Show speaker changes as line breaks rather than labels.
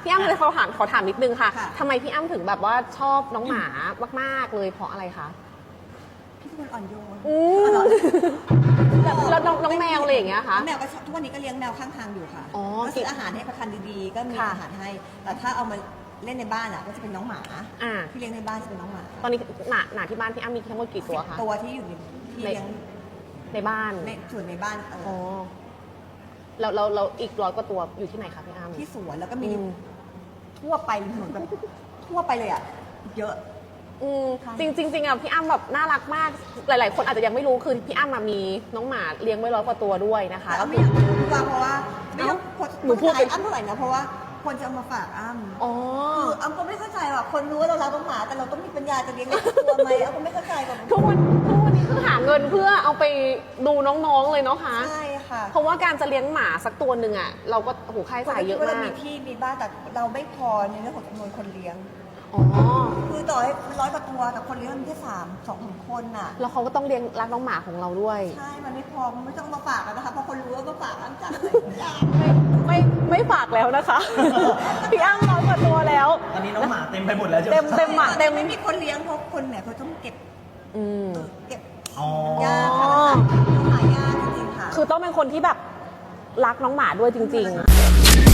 พี่อ้ำเลยขอถามนิดนึงค่ะ
ค่ะ
ทำไมพี่อ้ำถึงแบบว่าชอบน้องหมามากๆเลยเพราะอะไรคะ
พี่เป็นคนอ่อนโยน
แล้วน้องแมวอะไรอย่างเงี้ยคะ
แมวก็ทุกวันนี้ก็เลี้ยงแมวข้างทางอยู่ค่ะ
อ๋อ
ก็ซื้ออาหารให้ประทานดีๆ ก็มี
ค่ะ
อาหารให้ แต่ถ้าเอามาเล่นในบ้านอ่ะก็จะเป็นน้องหมา
อ่า
ที่เลี้ยงในบ้านจะเป็นน้องหมา
ตอนนี้หนาที่บ้านพี่อ้ำมีทั้งหมดกี่ตัวคะ
ตัวที่อยู่ในที่เลี้ยง
ในบ้าน
ในส่วนในบ้าน
อ๋อแล้วอีก100 กว่าตัวอยู่ที่ไหนคะพี่อ้ำ
ที่สวนแล้วก็มี
อืม
ทั่วไปเหมือนแบบทั่วไปเลยอ่ะเยอะ ค่ะ
จริงๆอ่ะพี่อ้ำแบบน่ารักมาก หลายๆ คนอาจจะยังไม่รู้คือพี่อ้ำมีน้องหมาเลี้ยงไว้100 กว่าตัวด้วยนะคะ
แต่ไม่อยากพูดว่าเพราะว่าไม่ต้อง
หนูพูด
ขายอ้ำเท่าไหร่นะเพราะว่าคนจะเอามาฝากอ้ำ
อ๋อ
คืออ้ำก็ไม่เข้าใจว่าคนรู้ว่าเรารักน้องหมาแต่เราต้องมีปัญญาจะเลี้ยงในตัวไหมอ้ำก็ไม่เข้าใจแบบ
ทุกวันนี้คือหาเงินเพื่อเอาไปดูน้องๆเลยเนาะคะ
ใช่ค่ะ
เพราะว่าการจะเลี้ยงหมาสักตัวหนึ่งอ่ะเราก็โอ้โหค่าใช้จ่ายเยอะ
เรา
มาก
มีที่มีบ้านแต่เราไม่พอในเรื่องของจำนวนคนเลี้ยง
อ๋อ
คือต่อให้100 กว่าตัวแต่คนเลี้ยงมันแค่2-3 คนน่ะ
แล้วเขาก็ต้องเลี้ยงรักน้องหมาของเราด้วย
ใช่มันไม่พอมันไม่ต้องมาฝากกันนะคะเพราะคนรู้ว่ามาฝากอ้ำจังเลย
ไม่ฝากแล้วนะคะ พี่อ้ำ100 กว่าตัวแล้ว
ตอนนี้น้องหมาเต็มไปหมดแล้วจ้ะ
เต็มหมาเต็ม
ไม่มีคนเลี้ยงเพราะคนเนี่ยเขาต้องเก็บ
อืม
เก็บ
อ๋อ
ยากค่ะหายากจริงๆค่ะ
คือต้องเป็นคนที่แบบรักน้องหมาด้วยจริงๆ